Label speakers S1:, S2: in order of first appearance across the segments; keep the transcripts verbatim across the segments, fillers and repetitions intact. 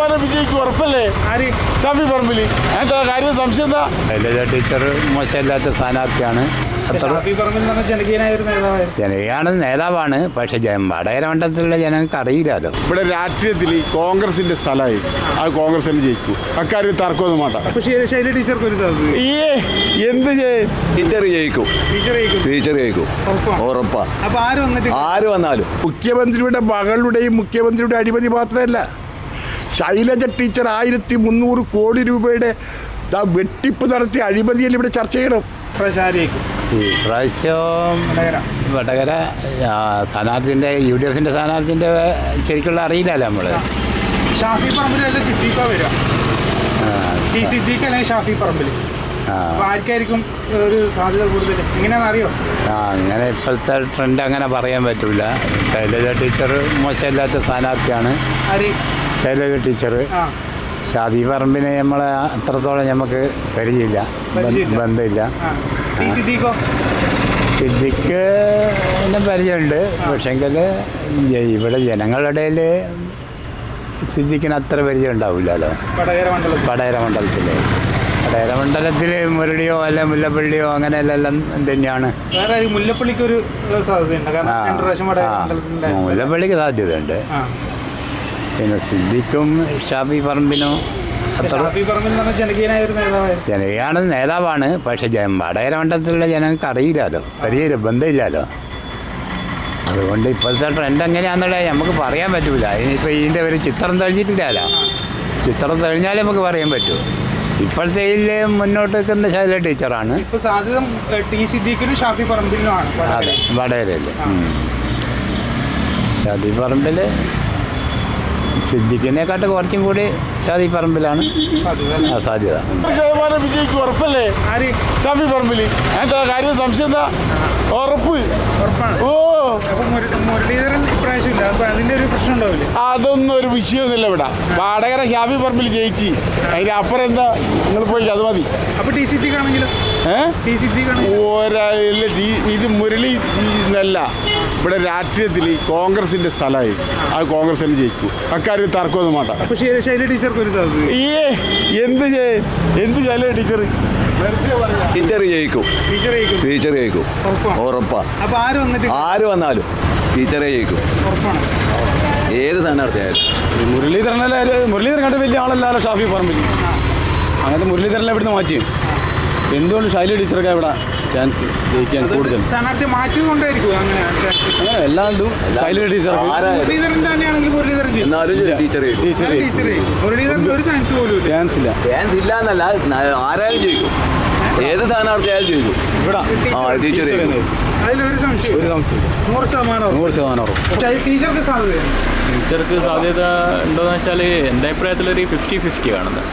S1: ശതമാനം വിജയിക്കും ഉറപ്പല്ലേ? ആര്? ഷാഫി പറമ്പിൽ. എന്താ കാര്യം? സംശയം എന്താ?
S2: ശൈലജ ടീച്ചർ മോശമില്ലാത്ത സ്ഥാനാർത്ഥിയാണ്. ജനകീയാണ് നേതാവാണ്. പക്ഷെ വടകര മണ്ഡലത്തിലുള്ള ജനങ്ങൾക്ക് അറിയില്ലല്ലോ.
S1: ഇവിടെ രാഷ്ട്രീയത്തിൽ കോൺഗ്രസിന്റെ സ്ഥലമായി, അത് കോൺഗ്രസ് തന്നെ ജയിക്കും. അക്കാര്യം തർക്കമൊന്നും വേണ്ട. ഈ എന്ത്
S3: ടീച്ചർ ജയിക്കും, ടീച്ചർ ജയിക്കും ഉറപ്പാ. ആര് വന്നാലും
S1: മുഖ്യമന്ത്രിയുടെ മകളുടെയും മുഖ്യമന്ത്രിയുടെ അഴിമതി മാത്രമല്ല, ശൈലജ ടീച്ചർ ആയിരത്തി മുന്നൂറ് കോടി രൂപയുടെ വെട്ടിപ്പ് നടത്തിയ അഴിമതിയിൽ ഇവിടെ ചർച്ച ചെയ്യണം.
S2: ഈ പ്രാവശ്യം വടകര സ്ഥാനാർത്ഥിൻ്റെ യു ഡി എഫിൻ്റെ സ്ഥാനാർത്ഥിൻ്റെ ശരിക്കുള്ള അറിയില്ലല്ലോ നമ്മൾ.
S4: ഷാഫി പറമ്പിലല്ല സിദ്ദീഖ വരിക. ഈ സിദ്ദീഖ് അല്ലെങ്കിൽ ഷാഫി പറമ്പിൽ ആർക്കായിരിക്കും ഒരു സാധ്യത കൂടുതൽ? എങ്ങനെയാണെന്ന് അറിയോ?
S2: ആ അങ്ങനെ ഇപ്പോഴത്തെ ട്രെൻഡ് അങ്ങനെ പറയാൻ പറ്റില്ല. ശൈലജ ടീച്ചർ മോശമില്ലാത്ത സ്ഥാനാർത്ഥിയാണ്. ശൈലജ ടീച്ചർ. ഷാഫി പറമ്പിനെ നമ്മളെ അത്രത്തോളം നമുക്ക് പരിചയമില്ല, ബന്ധമില്ല. സിദ്ദിഖ് എന്നെ പരിചയമുണ്ട്. പക്ഷെങ്കിൽ ഇവിടെ ജനങ്ങളുടെ ഇടയിൽ സിദ്ദിഖിന് അത്ര പരിചയം ഉണ്ടാവില്ലല്ലോ. വടകര മണ്ഡലത്തിൽ വടകര മണ്ഡലത്തിൽ മുരളിയോ അല്ല മുല്ലപ്പള്ളിയോ അങ്ങനെയെല്ലാം തന്നെയാണ്.
S4: മുല്ലപ്പള്ളിക്ക്
S2: മുല്ലപ്പള്ളിക്ക് സാധ്യതയുണ്ട്. പിന്നെ സിദ്ദിഖും ഷാഫി പറമ്പിനും ജനകീയാണ് നേതാവാണ്. പക്ഷെ വടകര മണ്ഡലത്തിലുള്ള ജനങ്ങൾക്ക് അറിയില്ലല്ലോ, പരിചയം ബന്ധമില്ലല്ലോ. അതുകൊണ്ട് ഇപ്പോഴത്തെ ട്രെൻഡ് എങ്ങനെയാണെന്നുള്ളത് നമുക്ക് പറയാൻ പറ്റില്ല. ഇനിയിപ്പോൾ ഇതിൻ്റെ ഒരു ചിത്രം തെളിഞ്ഞിട്ടില്ലല്ലോ. ചിത്രം തെളിഞ്ഞാലേ നമുക്ക് പറയാൻ പറ്റൂ. ഇപ്പോഴത്തെ മുന്നോട്ട് നിൽക്കുന്ന ശൈലജ ടീച്ചറാണ്. അതെ, വടകരയിൽ. ഷാഫി പറമ്പിൽ സിദ്ദിഖിനെക്കാട്ട് കുറച്ചും കൂടി ഷാഫി പറമ്പിലാണ് സാധ്യത.
S1: ശതമാനം വിജയിക്കും ഉറപ്പല്ലേ? ഷാഫി പറമ്പിൽ. എന്താ കാര്യം? സംശയം എന്താ? ഉറപ്പ്. ഓ, അതൊന്നും ഒരു വിഷയമൊന്നുമില്ല ഇവിടെ. വടകര ഷാഫി പറമ്പിൽ ജയിച്ച് അതിന് അപ്പുറം എന്താ? നിങ്ങൾ പോയി അത് മതി. ഒരാളില്ല. ഇത് മുരളി എന്നല്ല, ഇവിടെ രാഷ്ട്രീയത്തിൽ കോൺഗ്രസിന്റെ സ്ഥലമായി, അത് കോൺഗ്രസ് തന്നെ ജയിക്കും. അക്കാര്യം തർക്കമൊന്നും വേണ്ട. ഈ എന്ത് എന്ത് ശൈലജ ടീച്ചർ
S3: ടീച്ചർ ജയിക്കും, ടീച്ചർ ജയിക്കും ഉറപ്പാ. ആര് വന്നാലും ടീച്ചറെ ജയിക്കും. ഏത് സ്ഥാനാർത്ഥിയായാലും.
S1: മുരളീധരനല്ലേ? മുരളീധരൻ കണ്ട വലിയ ആളല്ലല്ലോ ഷാഫി പറമ്പിൽ. അങ്ങനത്തെ മുരളീധരനെ ഇവിടുന്ന് മാറ്റി. എന്തുകൊണ്ട് ശൈലജ ടീച്ചർക്ക് ഇവിടെ ചാൻസ് ജയിക്കാൻ കൂടുതൽ?
S4: അങ്ങനെ
S1: എല്ലാണ്ടും ശൈലജ ടീച്ചർ ചാൻസ് ഇല്ല.
S3: ചാൻസ് ഇല്ല എന്നല്ല, ആരായാലും ജയിക്കും. ഏത് സ്ഥാനാർത്ഥിയായാലും ജയിക്കും ഇവിടെ. ആ ടീച്ചർ
S1: ഒരു സംശയം നൂറ് ശതമാനം നൂറ് ശതമാനം
S4: ടീച്ചർക്ക് സാധ്യത
S5: ടീച്ചർക്ക് സാധ്യത ഉണ്ടോയെന്ന് വെച്ചാൽ എൻ്റെ അഭിപ്രായത്തിലൊരു ഫിഫ്റ്റി ഫിഫ്റ്റി ആണെന്ന്.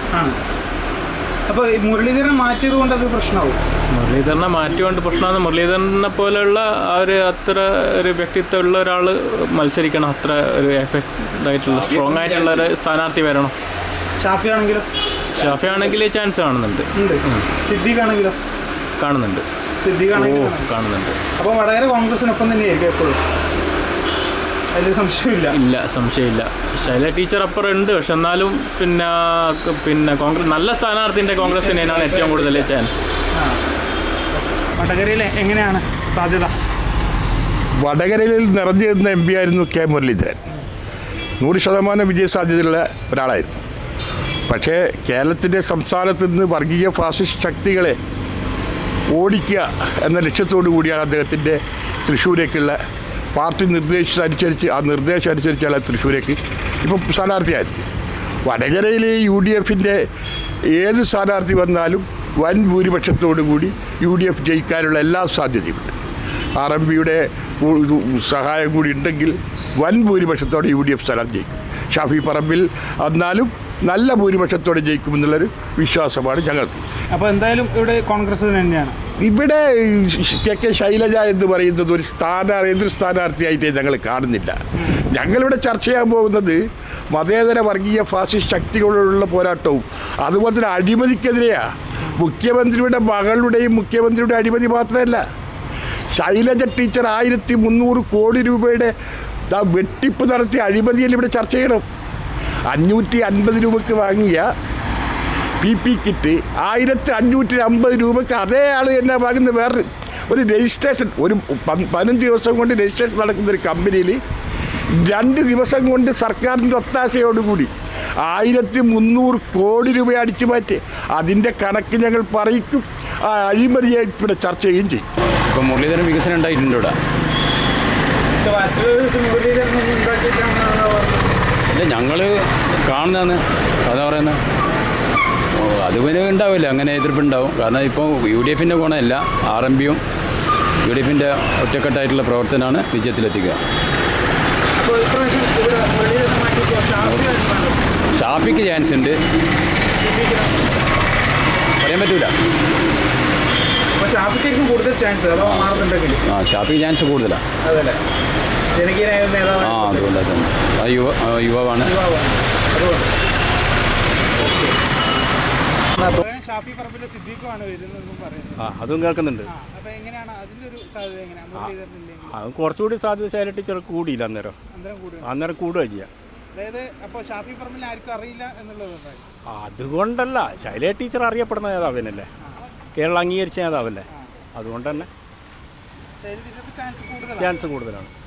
S4: അപ്പോൾ മുരളീധരൻ മാറ്റിയത് കൊണ്ട് അത് പ്രശ്നമാവും.
S5: മുരളീധരനെ മാറ്റിക്കൊണ്ട് പ്രശ്നമാണ്. മുരളീധരനെ പോലെയുള്ള ആ ഒരു അത്ര ഒരു വ്യക്തിത്വമുള്ള ഒരാൾ മത്സരിക്കണം. അത്ര ഒരു എഫക്റ്റ് ആയിട്ടുള്ള സ്ട്രോങ് ആയിട്ടുള്ള ഒരു സ്ഥാനാർത്ഥി വരണം.
S4: ഷാഫി ആണെങ്കിലോ?
S5: ഷാഫി ആണെങ്കിൽ ചാൻസ് കാണുന്നുണ്ട്.
S4: സിദ്ദീഖ് ആണെങ്കിലോ?
S5: കാണുന്നുണ്ട്.
S4: സിദ്ദീഖ് ആണെങ്കിലും
S5: കാണുന്നുണ്ട്.
S4: അപ്പോൾ വടകര കോൺഗ്രസിനൊപ്പം തന്നെയായിരിക്കും എപ്പോഴും? അതിൽ സംശയമില്ല.
S5: ഇല്ല, സംശയമില്ല. ശൈലജ ടീച്ചർ അപ്പുറം ഉണ്ട്. പക്ഷെ എന്നാലും പിന്നെ പിന്നെ കോൺഗ്രസ് നല്ല സ്ഥാനാർത്ഥിൻ്റെ കോൺഗ്രസ് തന്നെയാണ് ഏറ്റവും കൂടുതൽ ചാൻസ്.
S4: വടകരയിൽ എങ്ങനെയാണ് സാധ്യത?
S1: വടകരയിൽ നിറഞ്ഞു നിന്ന എം പി ആയിരുന്നു കെ മുരളീധരൻ. നൂറ് ശതമാനം വിജയ സാധ്യതയുള്ള ഒരാളായിരുന്നു. പക്ഷേ കേരളത്തിൻ്റെ സംസ്ഥാനത്ത് നിന്ന് വർഗീയ ഫാസിസ്റ്റ് ശക്തികളെ ഓടിക്കുക എന്ന ലക്ഷ്യത്തോടു കൂടിയാണ് അദ്ദേഹത്തിൻ്റെ തൃശ്ശൂരേക്കുള്ള പാർട്ടി നിർദ്ദേശിച്ചനുസരിച്ച് ആ നിർദ്ദേശം അനുസരിച്ചാണ് തൃശ്ശൂരേക്ക് ഇപ്പം സ്ഥാനാർത്ഥിയായത്. വടകരയിൽ യു ഡി എഫിൻ്റെ ഏത് സ്ഥാനാർത്ഥി വന്നാലും വൻ ഭൂരിപക്ഷത്തോടു കൂടി യു ഡി എഫ് ജയിക്കാനുള്ള എല്ലാ സാധ്യതയുമുണ്ട്. ആർ എം പിയുടെ സഹായം കൂടി ഉണ്ടെങ്കിൽ വൻ ഭൂരിപക്ഷത്തോടെ യു ഡി എഫ് സ്ഥാനാർത്ഥി ജയിക്കും. ഷാഫി പറമ്പിൽ വന്നാലും നല്ല ഭൂരിപക്ഷത്തോടെ ജയിക്കുമെന്നുള്ളൊരു വിശ്വാസമാണ് ഞങ്ങൾക്ക്.
S4: അപ്പോൾ എന്തായാലും ഇവിടെ കോൺഗ്രസ് തന്നെയാണ്.
S1: ഇവിടെ കെ കെ ശൈലജ എന്ന് പറയുന്നത് ഒരു സ്ഥാനാർത്ഥി എതിർ സ്ഥാനാർത്ഥിയായിട്ട് ഞങ്ങൾ കാണുന്നില്ല. ഞങ്ങളിവിടെ ചർച്ച ചെയ്യാൻ പോകുന്നത് മതേതര വർഗീയ ഫാസിസ്റ്റ് ശക്തികളോടുള്ള പോരാട്ടവും അതുപോലെ തന്നെ അഴിമതിക്കെതിരെയാണ്. മുഖ്യമന്ത്രിയുടെ മകളുടെയും മുഖ്യമന്ത്രിയുടെ അഴിമതി മാത്രമല്ല, ശൈലജ ടീച്ചർ ആയിരത്തി മുന്നൂറ് കോടി രൂപയുടെ വെട്ടിപ്പ് നടത്തിയ അഴിമതിയിൽ ഇവിടെ ചർച്ച ചെയ്യണം. അഞ്ഞൂറ്റി അൻപത് രൂപക്ക് വാങ്ങിയ പി പി കിറ്റ് ആയിരത്തി അഞ്ഞൂറ്റി അമ്പത് രൂപക്ക് അതേ ആൾ തന്നെ വാങ്ങുന്ന വേറെ ഒരു രജിസ്ട്രേഷൻ ഒരു പ- പതിനഞ്ച് ദിവസം കൊണ്ട് രജിസ്ട്രേഷൻ നടക്കുന്ന ഒരു കമ്പനിയിൽ രണ്ട് ദിവസം കൊണ്ട് സർക്കാരിൻ്റെ ഒത്താശയോടുകൂടി ആയിരത്തി മുന്നൂറ് കോടി രൂപ അടിച്ചു മാറ്റി. അതിൻ്റെ കണക്ക് ഞങ്ങൾ പറയിക്കും, ആ അഴിമതിയെ ഇവിടെ ചർച്ച ചെയ്യുകയും ചെയ്യും.
S6: ഇപ്പം മുരളീധരൻ വികസനം ഉണ്ടായിട്ടുണ്ട് ഇവിടെ.
S4: മറ്റൊരു മുരളീധരനൊന്നും ഉണ്ടാക്കിയിട്ടാണ്
S6: ഇല്ല, ഞങ്ങൾ കാണുന്നതാണ് അതാ പറയുന്നത്. അത് പിന്നെ ഉണ്ടാവില്ല, അങ്ങനെ എതിർപ്പുണ്ടാവും. കാരണം ഇപ്പോൾ യു ഡി എഫിൻ്റെ ഗുണമല്ല, ആർ എം പിയും യു ഡി എഫിൻ്റെ ഒറ്റക്കെട്ടായിട്ടുള്ള പ്രവർത്തനമാണ് വിജയത്തിലെത്തിക്കുക.
S4: അപ്പോൾ ഇപ്രാവശ്യം ഇവിടെ മുരളീധരനെ മാറ്റിയപ്പോൾ ഷാഫി ആയിരുന്നു.
S6: ഷാഫിക്ക് ചാൻസ് ഉണ്ട്, പറയാൻ പറ്റൂല.
S4: അപ്പോൾ ഷാഫിക്കായിരിക്കും കൂടുതൽ ചാൻസ് അതോ മാറുന്നുണ്ടെങ്കിൽ?
S6: ആ ഷാഫിക്ക് ചാൻസ് കൂടുതലാണ്.
S4: അതല്ലേ ജനകീയനായ
S6: ആ
S4: നേതാവ്
S6: അതുകൊണ്ടാണ് തന്നെ ആ യുവ ആ, യുവാവാണ്.
S4: യുവാവാണ്. അതുകൊണ്ട് ഓക്കെ. ഷാഫി പറമ്പിലെ സിദ്ദീഖുമാണ് വരുന്നതെന്നും പറയുന്നത്.
S7: ആ അതും കേൾക്കുന്നുണ്ട്.
S4: ആ, അപ്പോൾ എങ്ങനെയാണ് അതിൻ്റെ ഒരു സാധ്യത എങ്ങനെയാണ് മുരളീധരനില്ലെങ്കിൽ?
S7: അത് കുറച്ചുകൂടി സാധ്യത ശൈല ടീച്ചർ കൂടിയില്ല അന്നേരം.
S4: അന്തരം കൂടുതൽ
S7: അന്നേരം കൂടുക ചെയ്യുക.
S4: അതായത് അപ്പോൾ ഷാഫി പറമ്പിൽ ആർക്കും അറിയില്ല എന്നുള്ളത്.
S7: അതുകൊണ്ടല്ല, ശൈല ടീച്ചർ അറിയപ്പെടുന്ന നേതാവിനല്ലേ, കേരളം അംഗീകരിച്ച നേതാവല്ലേ, അതുകൊണ്ട് തന്നെ
S4: ശൈലജയ്ക്ക് ചാൻസ് കൂടുതലാണ്.
S7: ചാൻസ് കൂടുതലാണ്.